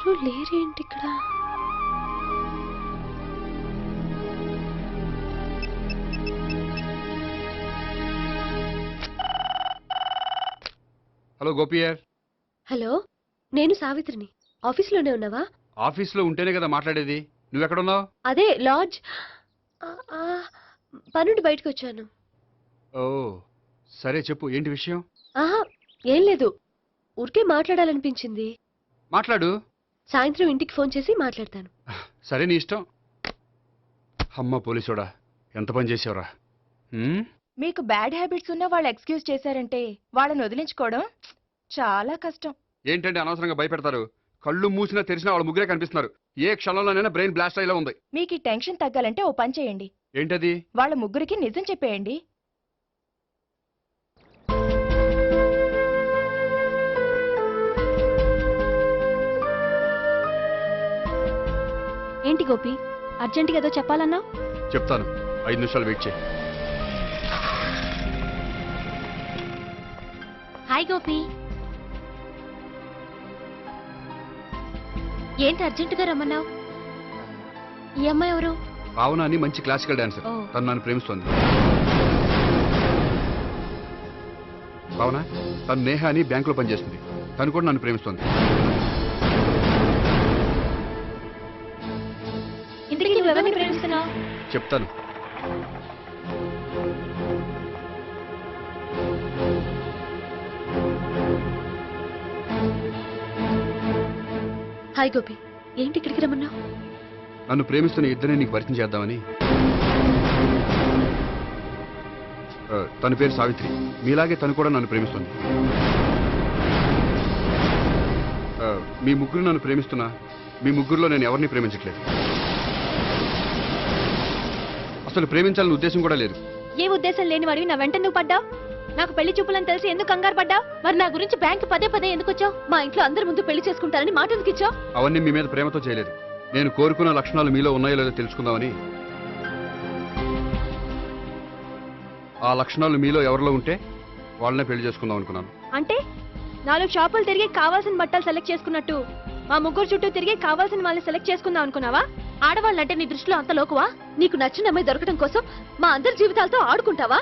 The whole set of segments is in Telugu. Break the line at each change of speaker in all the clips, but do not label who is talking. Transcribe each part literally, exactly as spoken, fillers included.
ఎవరు లేరేంటి ఇక్కడ?
హలో గోపియర్.
హలో, నేను సావిత్రిని. ఆఫీస్లోనే ఉన్నావా?
ఆఫీస్లో ఉంటేనే కదా మాట్లాడేది. నువ్వెక్కడున్నావు?
అదే లాడ్జ్. పనుండి బయటకు వచ్చాను.
ఓ సరే చెప్పు, ఏంటి విషయం?
ఆహా, ఏం లేదు, ఊరికే మాట్లాడాలనిపించింది.
మాట్లాడు.
సాయంత్రం ఇంటికి ఫోన్ చేసి మాట్లాడతాను.
సరే నీ ఇష్టం. అమ్మ పోలీసోడా, ఎంత పని చేసావురా.
మీకు బ్యాడ్ హ్యాబిట్స్ ఉన్న వాళ్ళు ఎక్స్క్యూజ్ చేశారంటే వాళ్ళని వదిలించుకోవడం చాలా కష్టం.
ఏంటంటే అనవసరంగా భయపెడతారు. కళ్ళు మూసినా తెరిచినా వాళ్ళ ముగ్గురే కనిపిస్తున్నారు. ఏ క్షణంలోనైనా బ్రెయిన్ బ్లాస్ట్ అయ్యేలా ఉంది.
మీకు ఈ టెన్షన్ తగ్గాలంటే ఓ పని చేయండి.
ఏంటది?
వాళ్ళ ముగ్గురికి నిజం చెప్పేయండి.
ఏంటి గోపి, అర్జెంటుగా ఏదో చెప్పాలన్నా?
చెప్తాను, ఐదు నిమిషాలు వెయిట్ చేయి.
హాయ్ గోపి. ఏంటి అర్జెంటుగా రమ్మన్నావు? ఈ అమ్మాయి ఎవరు?
భావన అని మంచి క్లాసికల్ డాన్సర్.
ఓ.
తను నన్ను ప్రేమిస్తోంది. భావన, తను నేహ అని బ్యాంకులో పనిచేస్తుంది. తను కూడా నన్ను ప్రేమిస్తోంది.
ఇంతకీ నువ్వు ఎవరిని ప్రేమిస్తున్నావు?
చెప్తాను.
హాయ్ గోపి, ఏంటి ఇక్కడికి రమ్మన్నావు?
నన్ను ప్రేమిస్తున్న ఇద్దరిని నీకు పరిచయం చేద్దామని. ఆ, తన పేరు సావిత్రి. మీలాగే తను కూడా నన్ను ప్రేమిస్తుంది. ఆ, మీ ముగ్గురు నన్ను ప్రేమిస్తున్నా మీ ముగ్గురులో నేను ఎవరిని ప్రేమించట్లేదు. అసలు ప్రేమించాలని ఉద్దేశం కూడా లేదు.
ఏ ఉద్దేశం లేని వాడివి నా వెంట నువ్వు పడ్డావు? నాకు పెళ్లి చూపులని తెలిసి ఎందుకు కంగారు పడ్డావు? మరి నా గురించి బ్యాంక్ పదే పదే ఎందుకు వచ్చావు? మా ఇంట్లో అందరి ముందు పెళ్లి చేసుకుంటానని మాట ఎందుకు ఇచ్చావు?
అవన్నీ మీ మీద ప్రేమతో చేయలేదు. నేను కోరుకున్న లక్షణాలు మీలో ఉన్నాయో లేదో తెలుసుకుందామని. ఆ లక్షణాలు మీలో ఎవరిలో ఉంటే వాళ్ళనే పెళ్లి చేసుకుందాం అనుకున్నాను.
అంటే నాలుగు షాపులు తిరిగి కావాల్సిన బట్టలు సెలెక్ట్ చేసుకున్నట్టు మా ముగ్గురు చుట్టూ తిరిగి కావాల్సిన వాళ్ళని సెలెక్ట్ చేసుకుందాం అనుకున్నావా? ఆడవాళ్ళంటే నీ దృష్టిలో అంత లోకువా? నీకు నచ్చిన అమ్మాయి దొరకడం కోసం మా అందరి జీవితాలతో ఆడుకుంటావా?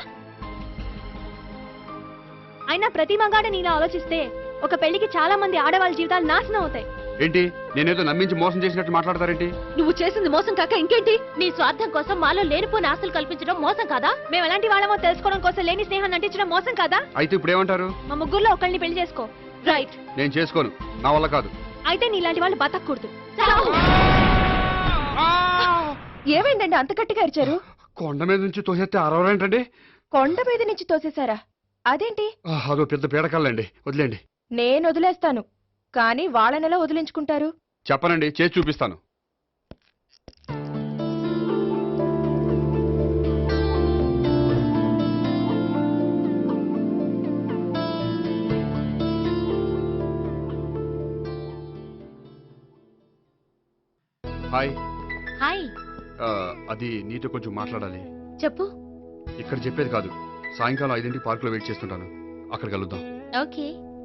అయినా ప్రతి మగాడ నీలా ఆలోచిస్తే ఒక పెళ్లికి చాలా మంది ఆడవాళ్ళ జీవితాలు నాశనం అవుతాయి.
ఏంటి, నేనేదో నమ్మించి మోసం చేసినట్టు మాట్లాడతారేంటి?
నువ్వు చేసింది మోసం కాక ఇంకేంటి? నీ స్వార్థం కోసం మాలో లేనిపోని ఆస్తులు కల్పించడం మోసం కాదా? మేము ఎలాంటి వాళ్ళమో తెలుసుకోవడం కోసం లేని స్నేహాన్ని నటించడం మోసం కాదా?
అయితే ఇప్పుడు ఏమంటారు?
మా ముగ్గురులో ఒకళ్ళని పెళ్లి చేసుకో. రైట్.
నేను చేసుకోను, నా వల్ల కాదు.
అయితే నీలాంటి వాళ్ళు బతకూడదు.
ఏమైందండి అంత గట్టిగా అరిచారు?
కొండ మీద నుంచి తోసేస్తే అరవరేంటండి?
కొండ మీద నుంచి తోసేశారా? అదేంటి?
అదో పెద్ద పీడకాలండి, వదిలేండి.
నేను వదిలేస్తాను, కానీ వాళ్ళనెలా వదిలించుకుంటారు?
చెప్పనండి, చేసి చూపిస్తాను. హాయ్.
హాయ్.
అది నీతో కొంచెం మాట్లాడాలి.
చెప్పు.
ఇక్కడ చెప్పేది కాదు, సాయంకాలం ఐదింటికి పార్కులో వెయిట్ చేస్తుంటాను. అక్కడ కలుద్దాం.
ఓకే.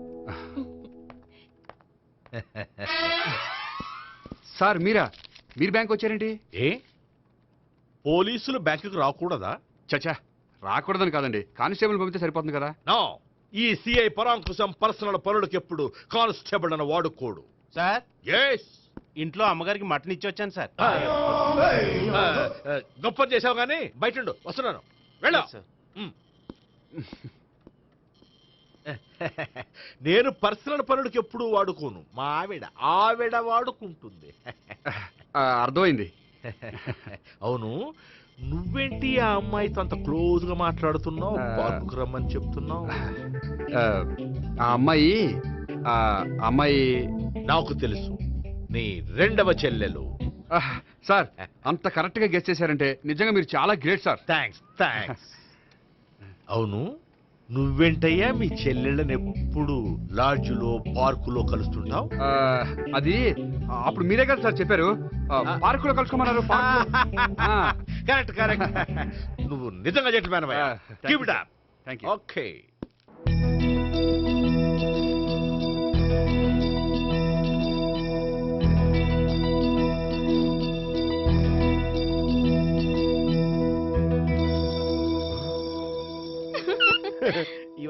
సార్ మీరా? మీరు బ్యాంక్ వచ్చారేంటి?
ఏ పోలీసులు బ్యాంకుకు రాకూడదా?
చచ్చా, రాకూడదని కాదండి, కానిస్టేబుల్ పంపితే సరిపోతుంది కదా.
నో, ఈ సిఐ పరాంకుశం పర్సనల్ పనులకు ఎప్పుడు కానిస్టేబుల్ అని వాడుకోడు.
సార్,
ఎస్,
ఇంట్లో అమ్మగారికి మటన్ ఇచ్చి వచ్చాను సార్.
గొప్ప చేసావు కానీ బయట వస్తున్నాను, వెళ్ళా. నేను పర్సనల్ పనులకు ఎప్పుడు వాడుకోను, మా ఆవిడ ఆవిడ వాడుకుంటుంది.
అర్థమైంది.
అవును, నువ్వేంటి ఆ అమ్మాయితో అంత క్లోజ్ గా మాట్లాడుతున్నావు? పార్కుకు రమ్మని చెప్తున్నావు.
ఆ అమ్మాయి ఆ అమ్మాయి
నాకు తెలుసు, నీ రెండవ చెల్లెలు.
సార్, అంత కరెక్ట్ గా గెస్ చేశారంటే నిజంగా మీరు చాలా గ్రేట్ సార్.
Thanks thanks. అవును, నువ్వేంటయ్యా మీ చెల్లెళ్ళని ఎప్పుడు లాడ్జ్లో పార్కులో కలుస్తుంటావు?
అది అప్పుడు మీరే కదా సార్ చెప్పారు, పార్కులో కలుసుకోమన్నారు.
Correct correct. నువ్వు నిజంగా gentleman. Keep it up.
Thank you.
Okay.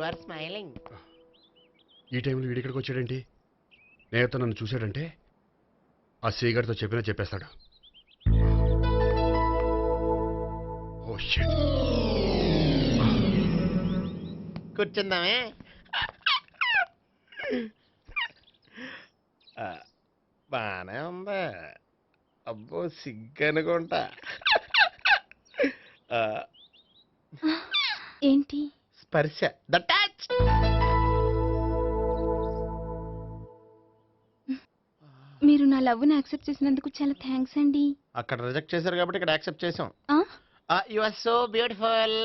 Are smiling.
ఈ టైంలో వీడి ఇక్కడికి వచ్చాడేంటి? నేత నన్ను చూశాడంటే ఆ సీగారితో చెప్పినా చెప్పేస్తాడు. Oh shit.
కూర్చుందామే. ఆ, బానే ఉందా? అబ్బో సిగ్గు అనుకుంటా. ఆ,
ఏంటి?
స్పర్శ ద టచ్.
మీరు నా లవ్ ని యాక్సెప్ట్ చేసినందుకు చాలా థ్యాంక్స్ అండి.
అక్కడ రిజెక్ట్ చేశారు కాబట్టి ఇక్కడ యాక్సెప్ట్ చేసాం.
ఆ?
You are so beautiful.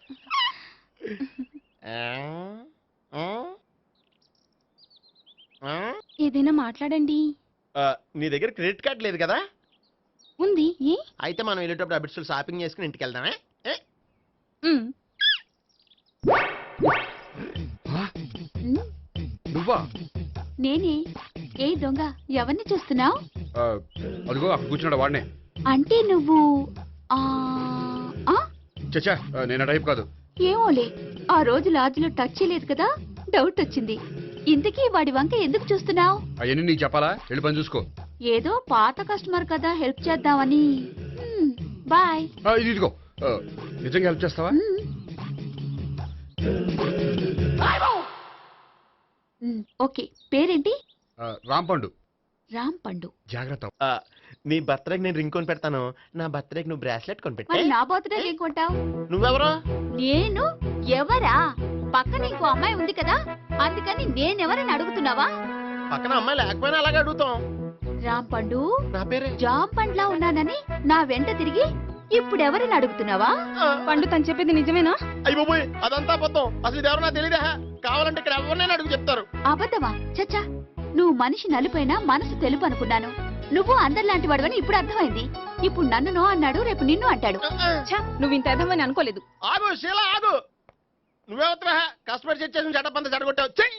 ఏదైనా మాట్లాడండి.
నీ దగ్గర క్రెడిట్ కార్డ్ లేదు కదా?
ఉంది. ఏ?
అయితే మనం వెళ్ళేటప్పుడు అబిట్స్ షాపింగ్ చేసుకుని ఇంటికి వెళ్దామే. ఏ?
ఉమ్.
ఆ? నువ్వా?
నేనే. ఏ దొంగ, ఎవరిని చూస్తున్నావు?
ఆ, అదిగో అక్కడ కూర్చున్నాడు వాడినే.
అంటే నువ్వు ఆ ఆ?
చచ్చా, నేను ఆ టైప్ కాదు.
ఏమోలే, ఆ రోజు లాడ్జ్లో టచ్ చేయలేదు కదా, డౌట్ వచ్చింది. ఇంతకీ వాడి వంక ఎందుకు చూస్తున్నావు?
అవన్నీ నీకు చెప్పాలా? వెళ్ళి పని చూసుకో.
ఏదో పాత కస్టమర్ కదా, హెల్ప్ చేద్దామని. మ్మ్, బాయ్.
ఆ, ఇది ఇదిగో. ఆ, నిజంగా హెల్ప్ చేస్తావా?
మ్మ్. మ్మ్, ఓకే. పేరేంటి?
ఆ, రాంపండు.
రామ్ పండు.
జాగ్రత్త.
ఆ, నీ బర్త్డేకి నేను రింగ్ కొని పెడతాను. నా బర్త్డేకి నువ్వు బ్రాస్లెట్ కొని
మరి
పెట్టే.
నా బర్త్డే ఏం కొంటావు?
నువ్వెవరో?
నేను ఎవరా? పక్కన ఇంకో అమ్మాయి ఉంది కదా, అందుకని నేనెవరని అడుగుతున్నావా?
పక్కన అమ్మాయి లేకపోయినా అలాగే అడుగుతాం.
రామ్ పండు,
నా పేరే
జామ్ పండ్లా ఉన్నానని నా వెంట తిరిగి ఇప్పుడెవరని అడుగుతున్నావా? పండు తను చెప్పేది నిజమేనా?
అయ్యి బాబోయ్, అదంతా అబద్ధం. అసలు ఇది ఎవరన్నా తెలియదా? కావాలంటే ఇక్కడ ఎవరినైనా అడుగు చెప్తారు.
అబద్ధమా? చచ్చా, నువ్వు మనిషి నలుపైనా మనసు తెలుపు అనుకున్నాను. నువ్వు అందరిలాంటి వాడువని ఇప్పుడు అర్థమైంది. ఇప్పుడు నన్ను నో అన్నాడు, రేపు నిన్ను అంటాడు. నువ్వు ఇంత అర్థమని అనుకోలేదు.
ఆగు శీల, ఆగు. నువ్వెవరా? కస్టమర్ చెక్ చేసి చెడ్డ పంత చెడగొట్టావు. చెయ్యి.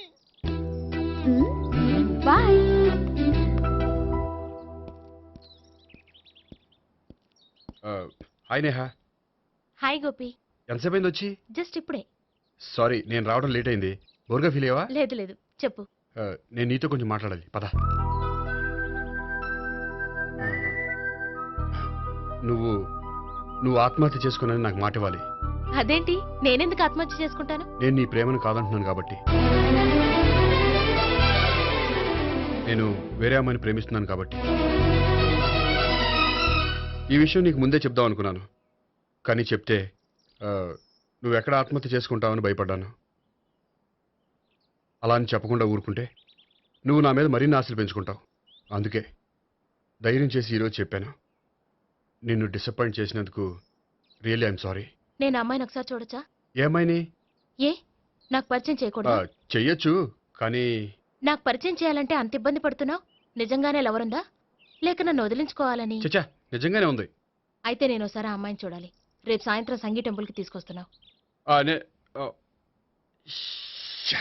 Bye.
Hi Neha.
Hi Gopi.
ఎంతసేపు అయింది వచ్చి?
జస్ట్ ఇప్పుడే.
సారీ, నేను రావడం లేట్ అయింది. బోర్గా ఫీల్ అయ్యావా?
లేదు లేదు, చెప్పు.
ఆ, నేను నీతో కొంచెం మాట్లాడాలి, పద. ఆ, నువ్వు నువ్వు ఆత్మహత్య చేసుకున్నది నాకు మాట ఇవ్వాలి.
అదేంటి, నేనెందుకు ఆత్మహత్య చేసుకుంటాను?
నేను నీ ప్రేమను కాదంటున్నాను కాబట్టి. నేను వేరే అమ్మాయిని ప్రేమిస్తున్నాను కాబట్టి. ఈ విషయం నీకు ముందే చెప్దాం అనుకున్నాను, కానీ చెప్తే ఆ, నువ్వు ఎక్కడ ఆత్మహత్య చేసుకుంటావని భయపడ్డాను. అలా అని చెప్పకుండా ఊరుకుంటే నువ్వు నా మీద మరిన్ని ఆశలు పెంచుకుంటావు. అందుకే ధైర్యం చేసి ఈరోజు చెప్పాను. నిన్ను డిసప్పాయింట్ చేసినందుకు రియల్లీ ఐఎమ్ సారీ.
నేను అమ్మాయిని ఒకసారి చూడొచ్చా?
ఏమైనా
ఏ, నాకు పరిచయం చేయకూడదు?
చెయ్యొచ్చు, కానీ
నాకు పరిచయం చేయాలంటే అంత ఇబ్బంది పడుతున్నావు? నిజంగానే లవరుందా, లేక నన్ను వదిలించుకోవాలని?
చచ్చా, నిజంగానే ఉంది.
అయితే నేను ఒకసారి ఆ అమ్మాయిని చూడాలి. రేపు సాయంత్రం సంగీ టెంపుల్కి తీసుకొస్తున్నావు.
ఆ, నే ఆ, శ్శా.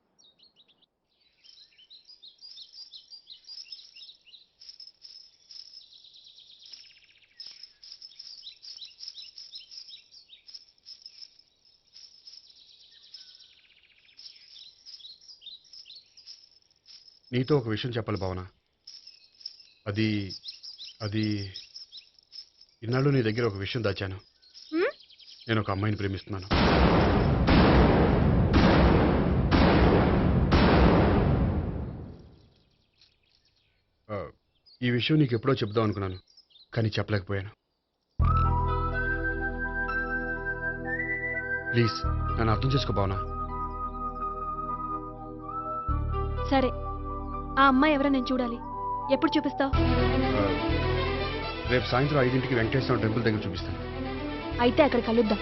నీతో ఒక విషయం చెప్పాలి భావన. అది అది ఇన్నాళ్ళు నీ దగ్గర ఒక విషయం దాచాను.
హ్మ్?
నేను ఒక అమ్మాయిని ప్రేమిస్తున్నాను. ఆ, ఈ విషయం నీకు ఎప్పుడో చెప్దాం అనుకున్నాను, కానీ చెప్పలేకపోయాను. ప్లీజ్ నన్ను అర్థం చేసుకో భావన.
సరే, ఆ అమ్మాయి ఎవరో నేను చూడాలి. ఎప్పుడు చూపిస్తావు?
ఆ, రేపు సాయంత్రం ఐదింటికి వెంకటేశ్వర టెంపుల్ దగ్గర చూపిస్తాను.
అయితే అక్కడ కలుద్దాం.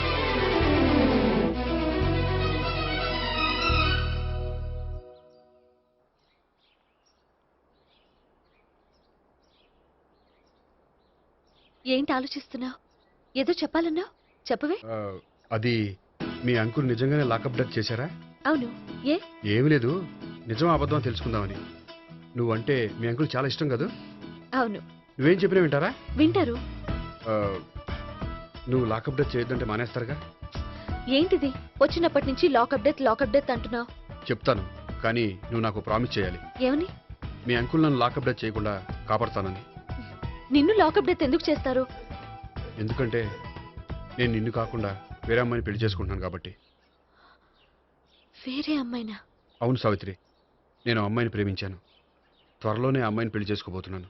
ఏంటి ఆలోచిస్తున్నావు? ఏదో చెప్పాలన్నావు, చెప్పవే.
ఆ, అది మీ అంకుల్ నిజంగానే లాకప్ డెత్ చేశారా?
అవును. ఏ?
ఏమీ లేదు, నిజం అబద్ధం అని తెలుసుకుందామని. నువ్వంటే మీ అంకుల్ చాలా ఇష్టం కదా?
అవును.
నువ్వేం చెప్పినా వింటారా?
వింటారు.
ఆ, నువ్వు లాకప్ డెత్ చేయొద్దంటే మానేస్తారుగా?
ఏంటిది వచ్చినప్పటి నుంచి లాకప్ డెత్ లాకప్ డెత్ అంటున్నావు?
చెప్తాను, కానీ నువ్వు నాకు ప్రామిస్ చేయాలి.
ఏమని?
మీ అంకుల్ నన్ను లాకప్ డెత్ చేయకుండా కాపాడుతానని.
నిన్ను లాకప్ డెత్ ఎందుకు చేస్తారు?
ఎందుకంటే నేను నిన్ను కాకుండా వేరే అమ్మాయిని పెళ్లి చేసుకుంటున్నాను కాబట్టి.
వేరే అమ్మాయినా?
అవును సావిత్రి, నేను ఆ అమ్మాయిని ప్రేమించాను. త్వరలోనే ఆ అమ్మాయిని పెళ్లి చేసుకోబోతున్నాను.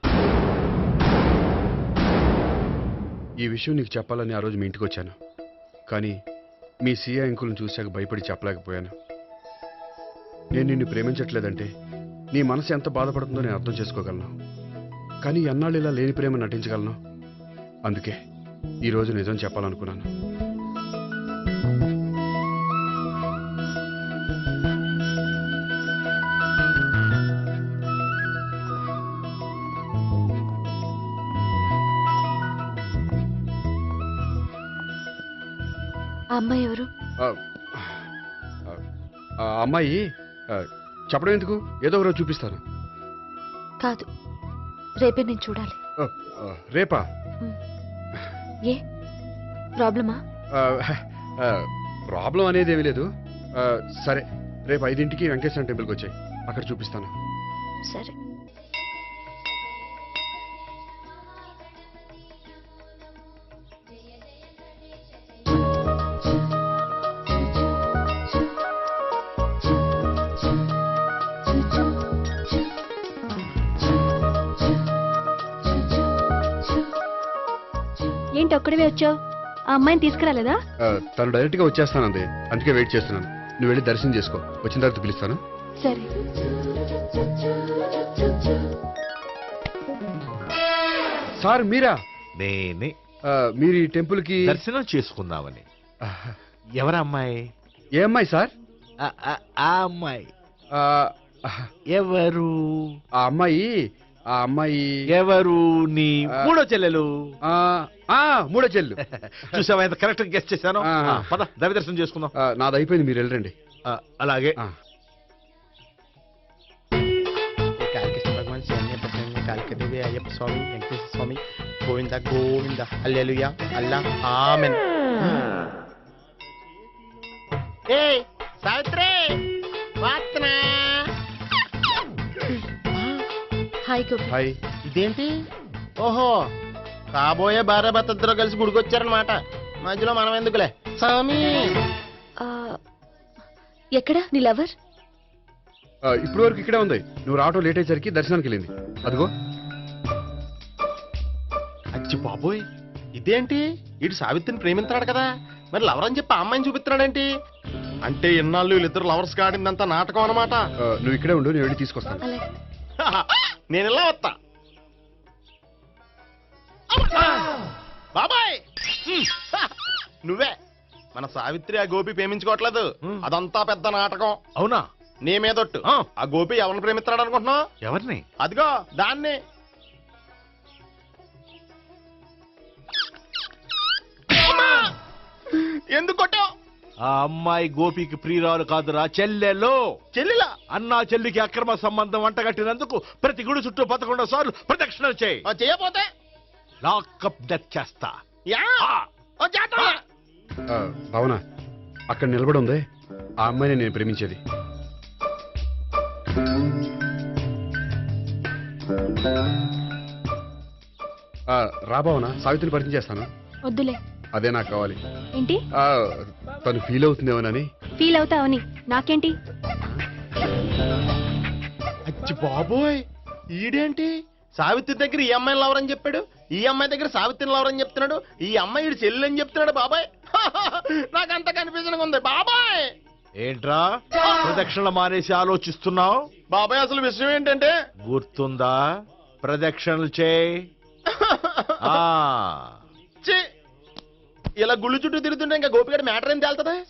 ఈ విషయం నీకు చెప్పాలని ఆ రోజు మీ ఇంటికి వచ్చాను, కానీ మీ సీఏ అంకుల్ని చూశాక భయపడి చెప్పలేకపోయాను. నేను నిన్ను ప్రేమించట్లేదంటే నీ మనసు ఎంత బాధపడుతుందో నేను అర్థం చేసుకోగలను, కానీ ఎన్నాళ్ళు ఇలా లేని ప్రేమ నటించగలను? అందుకే ఈరోజు నిజం చెప్పాలనుకున్నాను.
ఆ అమ్మాయి ఎవరు?
ఆ, ఆ అమ్మాయి ఆ, చెప్పడం ఎందుకు, ఏదో ఒకరోజు చూపిస్తాను.
కాదు, రేపే నేను చూడాలి.
ఆ, ఆ, రేపా?
ఏ ప్రాబ్లమా?
ఆ, ఆ, ప్రాబ్లం అనేది ఏమీ లేదు. ఆ, సరే, రేపు ఐదింటికి వెంకటేశ్వర టెంపుల్కి వచ్చాయి, అక్కడ చూపిస్తాను.
సరే. ఏంటి ఒక్కడివే వచ్చావు? ఆ అమ్మాయిని తీసుకురాలేదా?
ఆ, తను డైరెక్ట్గా వచ్చేస్తానంది, అందుకే వెయిట్ చేస్తున్నాను. నువ్వు వెళ్ళి దర్శనం చేసుకో, వచ్చిన తర్వాత పిలుస్తాను.
సరే.
సార్ మీరా?
నేనే
ఆ, మీరు ఈ టెంపుల్కి
దర్శనం చేసుకుందామని. ఎవరమ్మాయి?
ఏ అమ్మాయి సార్?
ఆ ఆ- ఆ అమ్మాయి
ఆ,
ఎవరు?
ఆ అమ్మాయి ఆ అమ్మాయి
ఎవరు? నీ మూడో చెల్లెలు.
ఆ, ఆ, మూడో చెల్లు.
చూసావా ఎంత కరెక్ట్ గెస్ట్ చేశాను.
ఆ.
ఆ, పద దవి దర్శనం చేసుకుందాం.
ఆ, నాది అయిపోయింది, మీరు వెళ్ళండి.
ఆ, అలాగే.
ఆ.
కాళికేశ్వర భగవాన్ శరణ్య ప్రసన్న కాళికదేవి అయ్యప్ప స్వామి వెంకటేశ్వర స్వామి గోవింద గోవింద హల్లెలూయా అల్లా ఆమెన్. ఏయ్ సావిత్రి వాత్నా.
హాయ్ గోపి.
హాయ్.
ఇదేంటి? ఓహో, కాబోయే భార్య భర్త ఇద్దరు కలిసి గుడికొచ్చారనమాట. మధ్యలో మనం ఎందుకులే స్వామి.
ఆ, ఎక్కడ నీ లవర్?
ఆ, ఇప్పుడు వరకు ఇక్కడే ఉంది. నువ్వు రావటం లేట్ అయ్యేసరికి దర్శనానికి వెళ్ళింది. అదిగో.
అచ్చి బాబోయ్, ఇదేంటి? ఇటు సావిత్రిని ప్రేమిస్తున్నాడు కదా, మరి లవర్ అని చెప్పి ఆ అమ్మాయిని చూపిస్తున్నాడేంటి? అంటే ఇన్నాళ్ళు వీళ్ళిద్దరు లవర్స్ కాడిందంతా నాటకం అనమాట.
ఆ, నువ్వు ఇక్కడే ఉండు, నేను వెళ్ళి తీసుకొస్తాను.
అలాగే.
నేను ఇలా వస్తా. బాబాయ్ నువ్వే. మన సావిత్రి ఆ గోపి ప్రేమించుకోవట్లేదు,
హ్మ్.
అదంతా పెద్ద నాటకం.
అవునా?
నీ మీదొట్టు.
ఆ.
ఆ గోపి ఎవరిని ప్రేమిస్తున్నాడు అనుకుంటున్నావు?
ఎవరిని?
అదిగో దాన్ని. అమ్మా! ఎందుకు కొట్టావు?
ఆ అమ్మాయి గోపికి ప్రియురాలు కాదురా, చెల్లెలు.
చెల్లిలా?
అన్నా చెల్లికి అక్రమ సంబంధం వంటగట్టినందుకు ప్రతి గుడి చుట్టూ పదకొండు సార్లు ప్రదక్షిణలు చేయి.
ఆ, చేయపోతే
లాకప్ డెత్ చేస్తా.
యా
ఆ.
ఓ చేద్దాం.
ఆ, భావన, అక్కడ నిలబడి ఉంది ఆ అమ్మాయిని నేను ప్రేమించేది. ఆ, రా భావన, సావిత్రిని పరిచయం చేస్తాను.
వద్దులే.
అదే నాకు కావాలి.
ఏంటి?
ఆ, తను ఫీల్ అవుతుందేమోనని.
ఫీల్ అవుతావని నాకేంటి?
అచ్చి బాబోయ్, ఈడేంటి సావిత్రి దగ్గర ఈ అమ్మాయిని లవర్ అని చెప్పాడు, ఈ అమ్మాయి దగ్గర సావిత్రిని లవర్ అని చెప్తున్నాడు, ఈ అమ్మాయి ఈడు చెల్లి అని చెప్తున్నాడు. బాబాయ్ నాకంత కన్ఫ్యూజన్ ఉంది బాబాయ్.
ఏంట్రా ప్రదక్షిణ మానేసి ఆలోచిస్తున్నావు?
బాబాయ్ అసలు విషయం ఏంటంటే
గుర్తుందా? ప్రదక్షిణలు చేయి. ఆ
ఛీ, ఇలా గుళ్ళు చుట్టూ తిరుగుతుంటే ఇంకా గోపిగడ మ్యాటర్ ఏం తేలుతుందా?